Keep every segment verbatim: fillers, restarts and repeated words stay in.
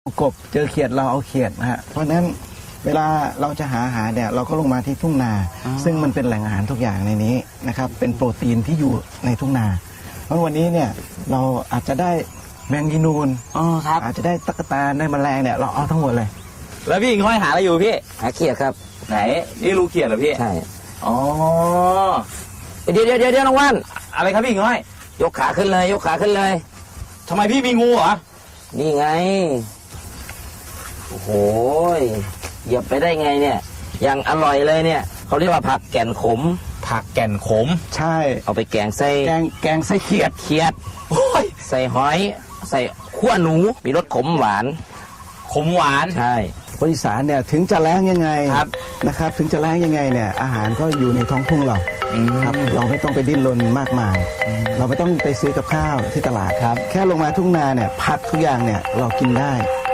กบเจอเขียดเราเอาเขียดนะฮะเพราะฉะนั้นเวลาเราจะหาอาหารเนี่ยเราก็ลงมาที่ทุ่งนาซึ่งมันเป็นแหล่งอาหารทุกอย่างในนี้นะครับเป็นโปรตีนที่อยู่ในทุ่งนาเพราะวันนี้เนี่ยเราอาจจะได้แมงยีนูนอ๋อครับอาจจะได้ตั๊กแตนได้แมลงเนี่ยเราเอาทั้งหมดเลยแล้วพี่ห้อยหาอะไรอยู่พี่หาเขียดครับไหนนี่รูเขียดเหรอพี่ใช่อ๋อเดี๋ยวเดี๋ยวเดี๋ยวน้องว่านอะไรครับพี่ห้อยยกขาขึ้นเลยยกขาขึ้นเลยทำไมพี่มีงูเหรอนี่ไงโอ้โหเหยียบไปได้ไงเนี่ยยังอร่อยเลยเนี่ยเขาเรียกว่าผักแก่นขมผักแก่นขมใช่เอาไปแกงใส่แกงแกงใส่เขียดเขียดโอ้ยใส่หอยใส่ขั้วหนูมีรสขมหวานขมหวานใช่คนอีสานเนี่ยถึงจะแล้งยังไงนะครับถึงจะแล้งยังไงเนี่ยอาหารก็อยู่ในท้องทุ่งเราครับเราไม่ต้องไปดิ้นรนมากมายเราไม่ต้องไปซื้อกับข้าวที่ตลาดครับแค่ลงมาทุ่งนาเนี่ยผักทุกอย่างเนี่ยเรากินได้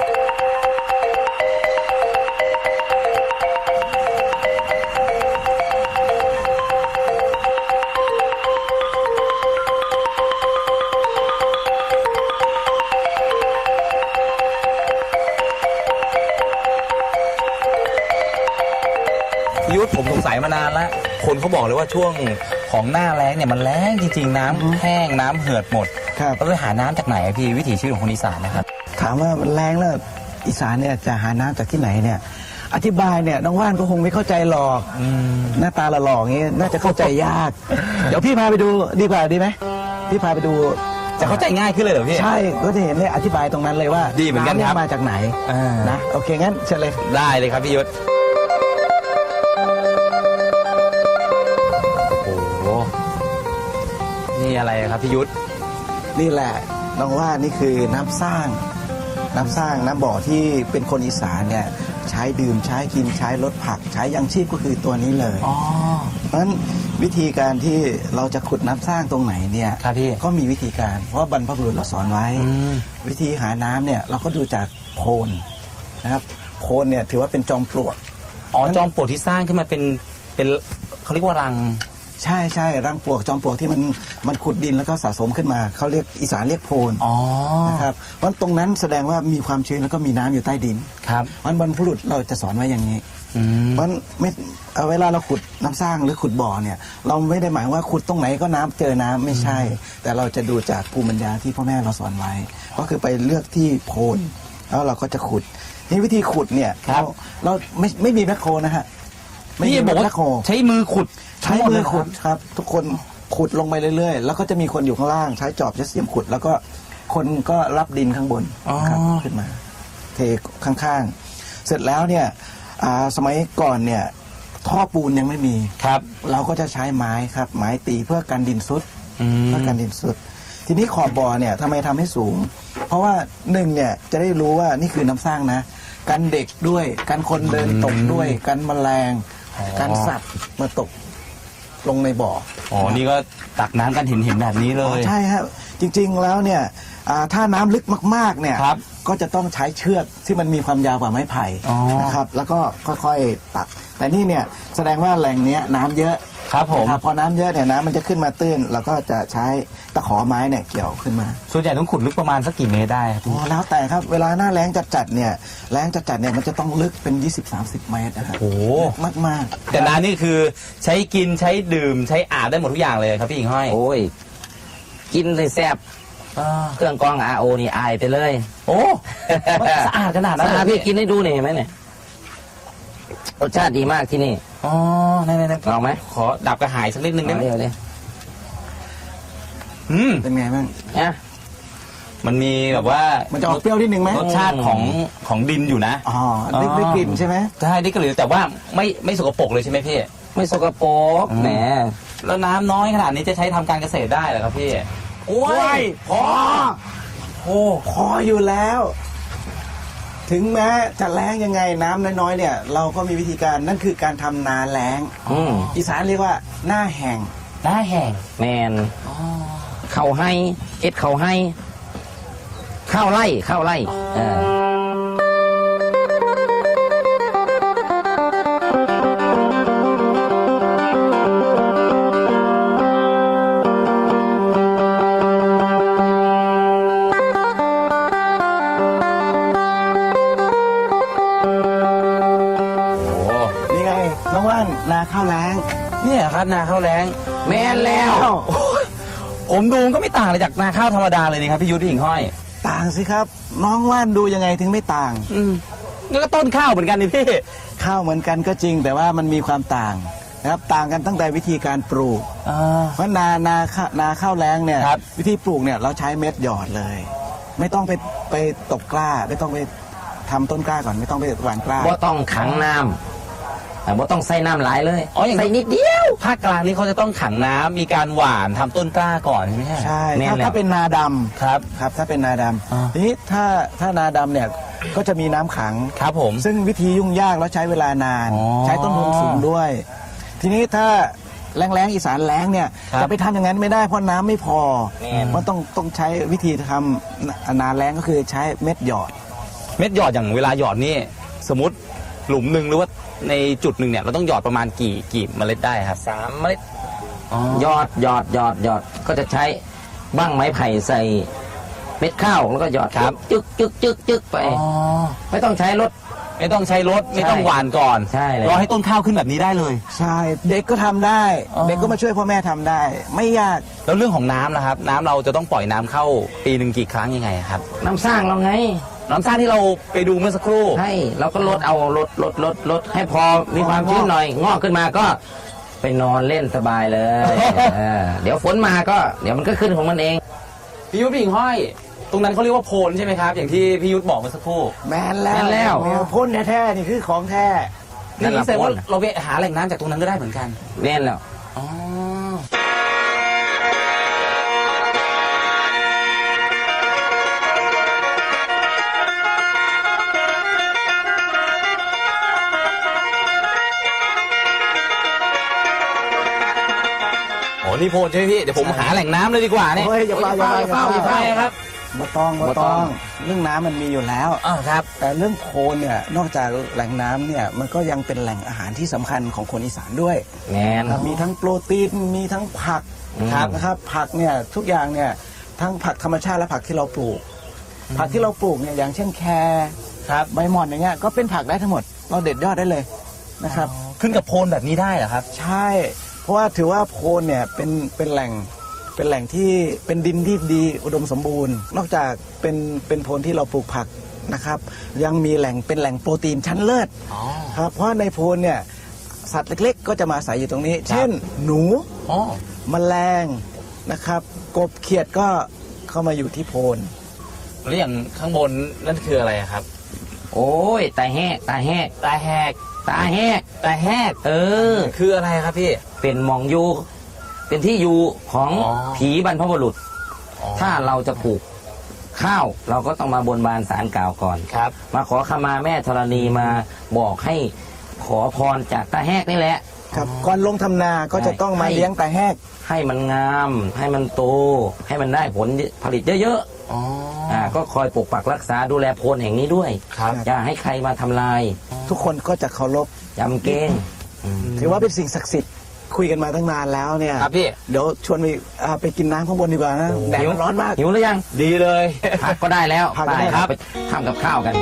ยุทธผมสงสัยมานานแล้วคนเขาบอกเลยว่าช่วงของหน้าแล้งเนี่ยมันแล้งจริงๆน้ำแห้งน้ำเหือดหมดเราไปหาน้ำจากไหนพี่วิถีชีวิตของคนอีสานนะครับถามว่ามันแล้งแล้วอีสานเนี่ยจะหาน้ำจากที่ไหนเนี่ยอธิบายเนี่ยน้องว่านก็คงไม่เข้าใจหรอกหน้าตาหล่อๆอย่างนี้น่าจะเข้าใจยากเดี๋ยวพี่พาไปดูดีกว่าดีไหมพี่พาไปดูจะเข้าใจง่ายขึ้นเลยเหรอพี่ใช่ก็จะเห็นเลยอธิบายตรงนั้นเลยว่าดีเหมือนกันครับมาจากไหนนะโอเคงั้นเชิญเลยได้เลยครับพี่ยุทธนี่อะไรครับพี่ยุทธนี่แหละน้องว่านี่คือน้ำสร้างน้ำสร้างน้ำบ่อที่เป็นคนอีสานเนี่ยใช้ดื่มใช้กินใช้ลดผักใช้ยังชีพก็คือตัวนี้เลยเพราะฉะนั้นวิธีการที่เราจะขุดน้ำสร้างตรงไหนเนี่ยก็มีวิธีการเพราะบรรพบุรุษเราสอนไว้วิธีหาน้ำเนี่ยเราก็ดูจากโคลนนะครับโคลนเนี่ยถือว่าเป็นจอมปลวกอ๋อจอมปลวกที่สร้างขึ้นมาเป็นเป็นเขาเรียกว่ารังใช่ใช่รังปลวกจอมปลวกที่มันมันขุดดินแล้วก็สะสมขึ้นมาเขาเรียกอีสานเรียกโพนนะครับเพราะตรงนั้นแสดงว่ามีความชื้นแล้วก็มีน้ำอยู่ใต้ดินครับมันบรรพบุรุษเราจะสอนไว้อย่างนี้เพราะไม่เวลาเราขุดน้ำสร้างหรือขุดบ่อเนี่ยเราไม่ได้หมายว่าขุดตรงไหนก็น้ำเจอน้ำไม่ใช่แต่เราจะดูจากภูมิปัญญาที่พ่อแม่เราสอนไว้ก็คือไปเลือกที่โพนแล้วเราก็จะขุดนี่วิธีขุดเนี่ยเราเราไม่ไม่มีแมคโครนะฮะพี่บอกว่าใช้มือขุดใช้มือขุดครับทุกคนขุดลงไปเรื่อยๆแล้วก็จะมีคนอยู่ข้างล่างใช้จอบใช้เสียมขุดแล้วก็คนก็รับดินข้างบนครับขึ้นมาเทข้างๆเสร็จแล้วเนี่ยสมัยก่อนเนี่ยท่อปูนยังไม่มีครับเราก็จะใช้ไม้ครับไม้ตีเพื่อกันดินซุดเพื่อกันดินซุดทีนี้ขอบบ่อเนี่ยทำไมทำให้สูงเพราะว่าหนึ่งเนี่ยจะได้รู้ว่านี่คือน้ำสร้างนะกันเด็กด้วยกันคนเดินตกด้วยกันแมลงกันสัตว์มาตกลงในบ่ออ๋อนี่ก็ตักน้ำกันเห็นเห็นแบบนี้เลยใช่ครับจริงๆแล้วเนี่ยถ้าน้ำลึกมากๆเนี่ยก็จะต้องใช้เชือกที่มันมีความยาวกว่าไม้ไผ่นะครับแล้วก็ค่อยๆตักแต่นี่เนี่ยแสดงว่าแหล่งนี้น้ำเยอะครับผมพอน้ำเยอะเนี่ยน้ำมันจะขึ้นมาตื้นแล้วก็จะใช้ตะขอไม้เนี่ยเกี่ยวขึ้นมาส่วนใหญ่ต้องขุดลึกประมาณสักกี่เมตรได้ครับโอ้แล้วแต่ครับเวลาหน้าแล้งจัดๆเนี่ยแล้งจัดๆเนี่ยมันจะต้องลึกเป็น ยี่สิบถึงสามสิบ เมตรนะครับโอ้มากมากแต่น้ำนี่คือใช้กินใช้ดื่มใช้อาบได้หมดทุกอย่างเลยครับพี่หญิงห้อยโอ้ยกินเลยแซ่บเครื่องกรองอาโอนี่อายไปเลยโอ้สะอาดขนาดนั้นสะอาดพี่กินให้ดูหน่อยเห็นไหมเนี่ยรสชาติดีมากที่นี่อ๋อนั่นๆเอาไหมขอดับกระหายสักนิดนึงได้ไหมเดี๋ยวเลยอืมเป็นไงบ้างเนี่ยมันมีแบบว่ามันจะออกเปรี้ยวนิดนึงไหมรสชาติของของดินอยู่นะอ๋อได้ได้กลิ่นใช่ไหมใช่ได้กลิ่นแต่ว่าไม่ไม่สกปรกเลยใช่ไหมพี่ไม่สกปรกแหมแล้วน้ำน้อยขนาดนี้จะใช้ทำการเกษตรได้เหรอครับพี่โอ้ยพอโอ้พออยู่แล้วถึงแม้จะแล้งยังไงน้ำน้อยๆเนี่ยเราก็มีวิธีการนั่นคือการทำนาแล้งอีสานเรียกว่าหน้าแห้งหน้าแห้งแมนเข่าให้เอ็ดเข่าให้ข้าวไร่ข้าวไร่อ่านาข้าวแล้งเนี่ยครับนาข้าวแล้งแม่นแล้วโอ้ยผมดูก็ไม่ต่างเลยจากนาข้าวธรรมดาเลยนี่ครับพี่ยุทธพี่หญิงห้อยต่างสิครับ น้องว่านดูยังไงถึงไม่ต่างอืมแล้วก็ต้นข้าวเหมือนกันนี่พี่ข้าวเหมือนกันก็จริงแต่ว่ามันมีความต่างนะครับต่างกันตั้งแต่วิธีการปลูกอ่าเพราะนานาข้านาข้าวแล้งเนี่ยครับวิธีปลูกเนี่ยเราใช้เม็ดหยอดเลย ไม่ต้องไปไปตกกล้า ไม่ต้องไปทำต้นกล้าก่อนไม่ต้องไปหว่านกล้าบ่ต้องขังน้ำแต่บ่ต้องใส่น้ำหลายเลยอ๋ออย่างใส่นิดเดียวภาคกลางนี่เขาจะต้องขังน้ำมีการหว่านทำต้นกล้าก่อนใช่ไหมฮะใช่แม่นถ้าแล้วถ้าเป็นนาดำครับครับถ้าเป็นนาดอ่าำทีนี้ถ้าถ้านาดำเนี่ยก็จะมีน้ำขังครับผมซึ่งวิธียุ่งยากแล้วใช้เวลานานอ๋อใช้ต้นทุนสูงด้วย ทีนี้ถ้าแรงแรงๆอีสานแรงเนี่ยครับจะไปทำอย่างนั้นไม่ได้เพราะน้ำไม่พอแม่นมันต้องต้องใช้วิธีทำนาแรงก็คือใช้เม็ดหยอดเม็ดหยอดอย่างเวลาหยอดนี่สมมติหลุมหนึ่งหรือว่าในจุดหนึ่งเนี่ยเราต้องหยอดประมาณกี่กี่เมล็ดได้ครับสามเมล็ดหยอดหยอดหยอดหยอดก็จะใช้บ้างไม้ไผ่ใส่เม็ดข้าวแล้วก็หยอดครับจึกจึกจึกจึกไปอ๋อไม่ต้องใช้รถไม่ต้องใช้รถไม่ต้องหว่านก่อนใช่เลยรอให้ต้นข้าวขึ้นแบบนี้ได้เลยใช่ เด็กก็ทำได้อ๋อเด็กก็มาช่วยพ่อแม่ทำได้ ไม่ยากแล้วเรื่องของน้ำนะครับ น้ำเราจะต้องปล่อยน้ำเข้าปีหนึ่งกี่ครั้งยังไงครับน้ำสร้างเราไงน้ำสร้างที่เราไปดูเมื่อสักครู่ให้เราก็ลดเอาลดลดลดลดให้พอมีความชื้นหน่อย งอกขึ้นมาก็ไปนอนเล่นสบายเลยเออเดี๋ยวฝนมาก็เดี๋ยวมันก็ขึ้นของมันเองพี่ยุทธพี่หญิงห้อย ตรงนั้นเขาเรียกว่าโพนใช่ไหมครับ อย่างที่พี่ยุทธบอกเมื่อสักครู่แมนแล้วแม่นแล้วมพ่นแท้ๆนี่คือของแท้นี่นั่นแหละแสดงว่าโพนเราไปหาแหล่งน้ำจากตรงนั้นก็ได้เหมือนกันเล่นแล้วอ๋อ โอ้นี่โพนใช่ไหมพี่ เดี๋ยวผมหาแหล่งน้ำเลยดีกว่าเนี่ยเฮ้ยอย่าเปล่าอย่าเปล่าอย่าเปล่าอย่าเปล่าครับมาต้องมาบ่ต้ต้ออง งเรื่องน้ำมันมีอยู่แล้วอ้าวครับแต่เรื่องโคลนเนี่ยนอกจากแหล่งน้ำเนี่ยมันก็ยังเป็นแหล่งอาหารที่สำคัญของคนอีสานด้วยแมนครับมีทั้งโปรตีนมีทั้งผักครับนะครับผักเนี่ยทุกอย่างเนี่ยทั้งผักธรรมชาติและผักที่เราปลูก ผักที่เราปลูกเนี่ยอย่างเช่นแครครับใบหม่อนอย่างเงี้ยก็เป็นผักได้ทั้งหมด เราเด็ดยอดได้เลยนะครับขึ้นกับโพนแบบนี้ได้เหรอครับใช่ เพราะว่าถือว่าโพนเนี่ยเป็นเป็นแหล่งเป็นแหล่งที่เป็นดินที่ดีอุดมสมบูรณ์ นอกจากเป็นเป็นโพนที่เราปลูกผักนะครับ ยังมีแหล่งเป็นแหล่งโปรตีนชั้นเลิศอ๋อครับเพราะในโพนเนี่ยสัตว์เล็กๆ ก็จะมาอาศัยอยู่ตรงนี้ เช่น หนูอ๋อแมลงนะครับ กบเขียดก็เข้ามาอยู่ที่โพนแล้วอย่างข้างบนนั่นคืออะไรอะครับโอ้ยตาแหกตาแหกตาแหกตาแหกตาแหกเออคืออะไรครับพี่เป็นหมองอยู่เป็นที่อยู่ของอ๋อผีบรรพบุรุษอ๋อถ้าเราจะปลูกข้าว เราก็ต้องมาบนบานสารกล่าวก่อนครับมาขอขมาแม่ธรณีมาบอกให้ขอพรจากตาแหกนี่แหละครับก่อนลงทำนาก็จะต้องมาให้เลี้ยงแต่แหกให้มันงาม ให้มันโต ให้มันได้ผลผลิตเยอะอ๋อๆอ่าก็คอยปกปักรักษาดูแลโพนแห่งนี้ด้วยครับอย่าให้ใครมาทำลายทุกคนก็จะเคารพจำเกณฑ์ถือว่าเป็นสิ่งศักดิ์สิทธิ์คุยกันมาตั้งนานแล้วเนี่ยครับพี่เดี๋ยวชวนไปอ่าไปกินน้ำข้างบนดีกว่านะแดดมันร้อนมากหิวหรือยังดีเลยผักก็ได้แล้วผักก็ได้ไปครับไปทำกับข้าวกัน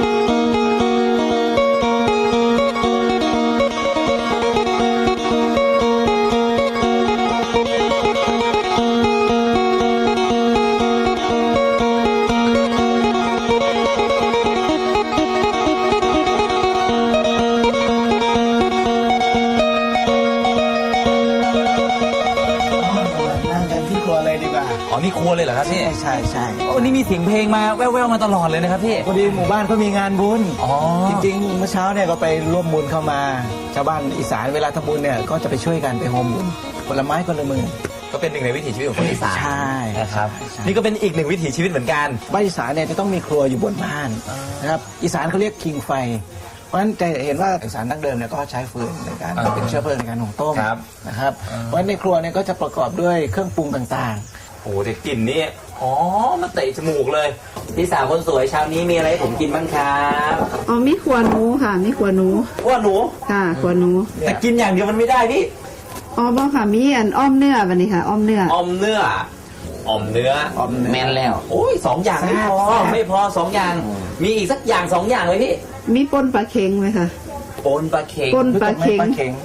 นั่งกันที่ครัวเลยดีกว่าอ๋อ นี่ครัวเลยเหรอครับพี่ใช่ใช่ใช่โอ้นี่มีเสียงเพลงมาแว่วๆมาตลอดเลยนะครับพี่พอดีหมู่บ้านเขามีงานบุญอ๋อจริงๆเมื่อเช้าเนี่ยก็ไปร่วมบุญเข้ามา ชาวบ้านอีสานเวลาทำบุญเนี่ยก็จะไปช่วยกันไปโฮมบุญผลไม้คนละมือก็เป็นหนึ่งในวิถีชีวิตของคนอีสานใช่นะครับใช่นี่ก็เป็นอีกหนึ่งวิถีชีวิตเหมือนกันบ้านอีสานเนี่ยจะต้องมีครัวอยู่บนบ้านนะครับอีสานเขาเรียกคิงไฟ เพราะฉะนั้นจะเห็นว่าอีสานดั้งเดิมเนี่ยก็ใช้ฟืนในการอ่าเป็นเชื้อเพลิงในการหุงต้มครับนะครับเพราะฉะนั้นในครัวเนี่ยก็จะประกอบด้วยเครื่องปรุงต่างโอ้โหแต่กลิ่นนี่อ๋อมาเตะจมูกเลยพี่สาวคนสวยเช้านี้มีอะไรให้ผมกินบ้างครับอ๋อมีขวหนูค่ะ มีขวหนูว่าหนูค่ะขวหนูแต่กินอย่างเดียวมันไม่ได้พี่อ๋อบ่ค่ะ มีอันอ้อมเนื้อวันนี้ค่ะ อ้อมเนื้ออมเนื้ออมเนื้อๆออมแมนแล้วโอ้ยสองอย่างไม่พอแซ่บไม่พอสองอย่าง มีอีกสักอย่างสองอย่างเลยพี่มีป่นปลาเค็งไหมคะปนปลาเค็งป่นปลาเค็งปลาเข็งป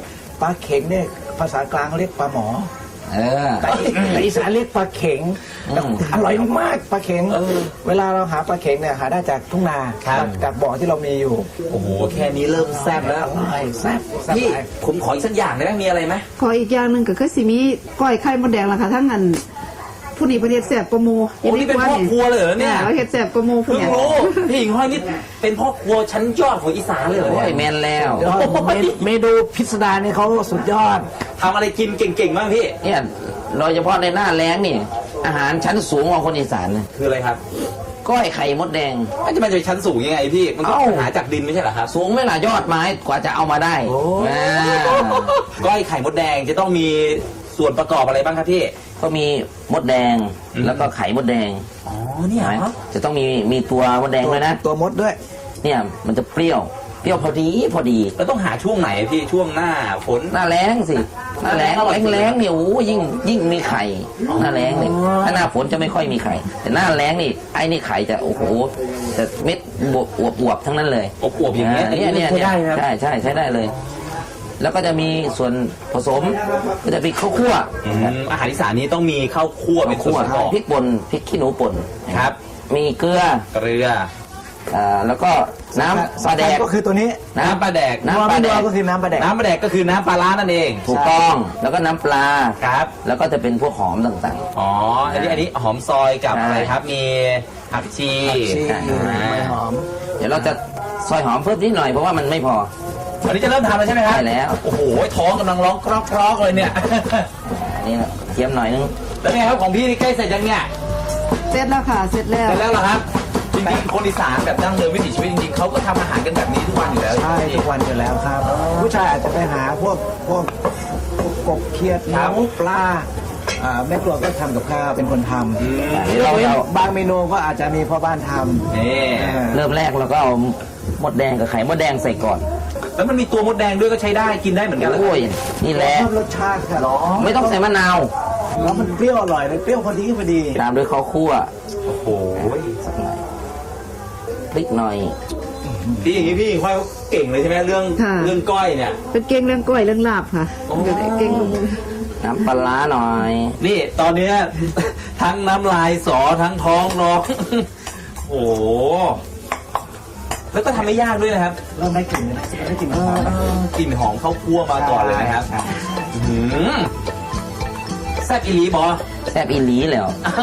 ปลาเข็งเนี่ยภาษากลางเขาเรียกปลาหมอเออแต่แต่อีสานเรียกปลาเข็งอืมอร่อยมากปลาเข็งเวลาเราหาปลาเข็งเนี่ยหาได้จากทุ่งนาครับจากบ่อที่เรามีอยู่โอ้โหแค่นี้เริ่มแซ่บแล้วอร่อยแซ่บแซ่บพี่หลายผมขออีกสักอย่างได้ไหมมีอะไรไหมขออีกอย่างหนึ่งก็คือสิมีก้อยไข่มดแดงล่ะค่ะทั้งอันผู้นี้ประเทศแสบประมูโอ้นี่เป็นพ่อครัวเลยเหรอเนี่ยประเทศแสบประมูผู้เพิ่งเนี่ยรู้พี่หญิงห้อยนี่เป็นพ่อครัวชั้นยอดของอีสานเลยเหรอโอ้เนี่ยยแมนแล้วยอดเมนเมนูพิสดารเนี่ยเขาสุดยอดทำอะไรกินเก่งๆบ้างพี่เนี่ยโดยเฉพาะในหน้าแล้งนี่ อาหารชั้นสูงของคนอีสานนะคืออะไรครับก้อยไข่มดแดงมันจะมาจากชั้นสูงยังไงพี่มันก็เอ้าหาจากดินไม่ใช่เหรอครับสูงไม่ล่ะยอดไม้กว่าจะเอามาได้อ่าก้อยไข่มดแดงจะต้องมีส่วนประกอบอะไรบ้างครับพี่ก็มีมดแดงอืมแล้วก็ไข่มดแดงอ๋อเนี่ยเหรอจะต้องมีมีตัวมดแดงด้วยนะตัวมดด้วยเนี่ยมันจะเปรี้ยวเปรี้ยวพอดีพอดีแล้วต้องหาช่วงไหนพี่ช่วงหน้าฝนหน้าแล้งสิหน้าแล้งหน้าแล้แล้งงแล้งเนี่ยโอ้ยิ่งยิ่งมีไข่หน้าแล้งเนี่ยถ้าหน้าฝนจะไม่ค่อยมีไข่แต่หน้าแล้งนี่ไอ้นี่ไข่จะโอ้โหจะเม็ดบวบอวบอวบทั้งนั้นเลยอบอวบๆอย่างเงี้ยเนี่ยเนี่ยใช้ได้ไหมครับใช่ใช่ใช้ได้เลย แล้วก็จะมีส่วนผสมก็จะมีข้าวคั่วอืมอาหารอีสานนี้ต้องมีข้าวคั่วเป็นส่วนประกอบพริกป่นพริกขี้หนูป่นครับมีเกลือเกลืออ่าแล้วก็น้ำปลาแดกก็คือตัวนี้น้ำปลาแดกน้ำปลาแดกก็คือน้ำปลาแดกน้ำปลาแดกก็คือน้ำปลาร้านั่นเองถูกต้องแล้วก็น้ำปลาครับแล้วก็จะเป็นพวกหอมต่างอ๋ออันนี้อันนี้หอมซอยกับใช่อะไรครับมีผักชีชีอ่าไม่หอมๆ เดี๋ยวเราจะซอยหอมเพิ่มนิดหน่อยเพราะว่ามันไม่พออันนี้จะเริ่มทำแล้วใช่ไหมครับใช่แล้วโอ้โหท้องกำลังร้องกรอกๆเลยเนี่ยอันนี้นะเทียมหน่อยนึงแล้วไงครับของพี่นี่ใกล้เสร็จยังเนี่ยเสร็จแล้วค่ะเสร็จแล้วเสร็จแล้วเหรอครับจริงๆคนอีสานแบบดั้งเดิมวิถีชีวิตจริงๆเขาก็ทำอาหารกันแบบนี้ทุกวันอยู่แล้วใช่ทุกวันอยู่แล้วครับ ผู้ชายอาจจะไปหาพวกพวกกบเขียดหมูปลาอ่าแม่ครัวก็ทำกับข้าวเป็นคนทอืมอันำนี้เรายกว้นเราบางเมนูก็อาจจะมีพ่อบ้านทำนี่อ่าเริ่มแรกเราก็เอามดแดงกับไข่มดแดงใส่ก่อนแล้วมันมีตัวมดแดงด้วยก็ใช้ได้กินได้เหมือนกันเหรอโอ้ยนี่แหละชอบรสชาติค่ะหรอไม่ต้องใส่มะนาวแล้วมันเปรี้ยวอร่อยเลยเปรี้ยวพอดีพอดีตามด้วยข้าวคั่วโอ้โหสักหน่อยพริกหน่อยพี่อย่างนี้พี่ค่อยเก่งเลยใช่ไหมเรื่องค่ะเรื่องก้อยเนี่ยเป็นเก่งเรื่องก้อยเรื่องลาบค่ะโอ้เก่งลงน้ำปลาร้าหน่อยนี่ตอนเนี้ย ทั้งน้ำลายสอทั้งท้องร้อง โอ้โหแล้วก็ทำไม่ยากด้วยนะครับเริ่มได้กลิ่นเลยได้กลิ่นหอมกลิ่นหอมข้าวคั่วมาก่อนเลยนะครับใช่อื้อหือแซ่บอีหลีบอแซ่บอีหลีแล้ว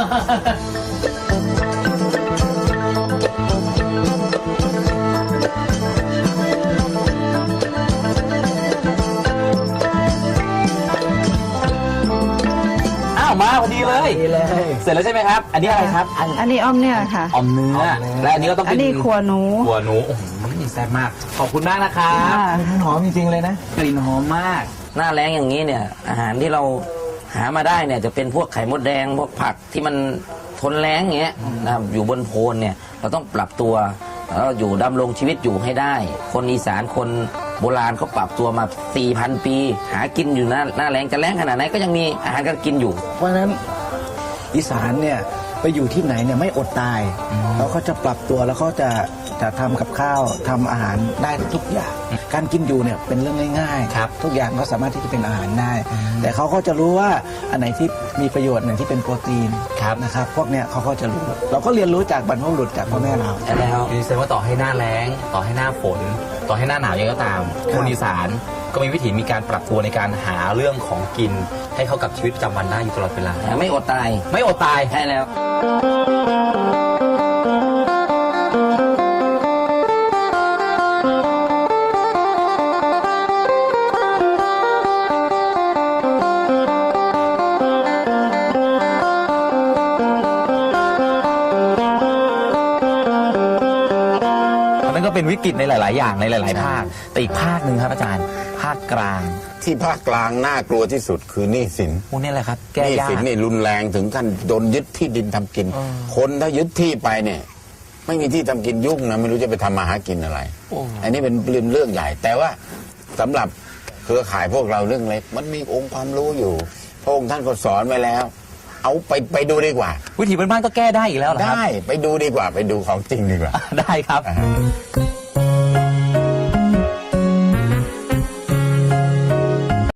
อ้าวมาพอดีเลยดีเลยเสร็จแล้วใช่ไหมครับ อันนี้อะไรครับอันนี้อ้อมเนี่ยค่ะออมเนื้อ และอันนี้ก็ต้องอัเป็น นนี้ขัวหนูหัวหนูโอ้โหแซ่บมาก ขอบคุณมากนะครับค่ะมันหอมจริงๆเลยนะกลิ่นหอมมากหน้าแรงอย่างนี้เนี่ย อาหารที่เราหามาได้เนี่ยจะเป็นพวกไข่มดแดงพวกผักที่มันทนแรงอย่างเงี้ยนะครับอยู่บนโพนเนี่ยเราต้องปรับตัวแล้วอยู่ดำรงชีวิตอยู่ให้ได้ คนอีสานคนโบราณเขาปรับตัวมา สี่พัน ปี หากินอยู่หน้าหน้าแรงจะแรงขนาดไหนก็ยังมีอาหารการกินอยู่เพราะฉะนั้นอีสานเนี่ยไปอยู่ที่ไหนเนี่ยไม่อดตายแล้วเขาจะปรับตัวแล้วเขาจะจะทำกับข้าวทำอาหารได้ทุกอย่าง การกินอยู่เนี่ยเป็นเรื่องง่ายครับทุกอย่างก็สามารถที่จะเป็นอาหารได้ แต่เขาก็จะรู้ว่าอันไหนที่มีประโยชน์อันไหนที่เป็นโปรตีนครับนะครับ พวกเนี้ยเขาก็จะรู้ เราก็เรียนรู้จากบรรพบุรุษจากพ่อแม่เราใช่แล้วนี่แสดงว่าต่อให้หน้าแล้ง ต่อให้หน้าฝน ต่อให้หน้าหนาวยังไงก็ตาม คนอีสานก็มีวิถีมีการปรับตัวในการหาเรื่องของกิน ให้เข้ากับชีวิตประจำวันได้อยู่ตลอดเวลาไม่อดตายไม่อดตายใช่แล้วอันนั้นก็เป็นวิกฤตในหลาย ๆ อย่างในหลาย ๆ ภาค แต่อีกภาคหนึ่งครับอาจารย์ ภาคกลางที่ภาคกลางน่ากลัวที่สุดคือหนี้สินพวกนี้แหละครับหแก้นี้ยากสินนี่รุนแรงถึงขั้นโดนยึดที่ดินทำกิน คนถ้ายึดที่ไปเนี่ย ไม่มีที่ทำกินยุ่งนะไม่รู้จะไปทำมาหากินอะไร อันนี้เป็นเรื่องเรื่องใหญ่ แต่ว่าสำหรับเครือข่ายพวกเราเรื่องเล็กมันมีองค์ความรู้อยู่พระองค์ท่านก็สอนไว้แล้ว เอาไปไปดูดีกว่าวิถีบ้านๆก็แก้ได้อีกแล้วเหรอครับได้ไปดูดีกว่าไปดูของจริงดีกว่าได้ครับอ่าฮะ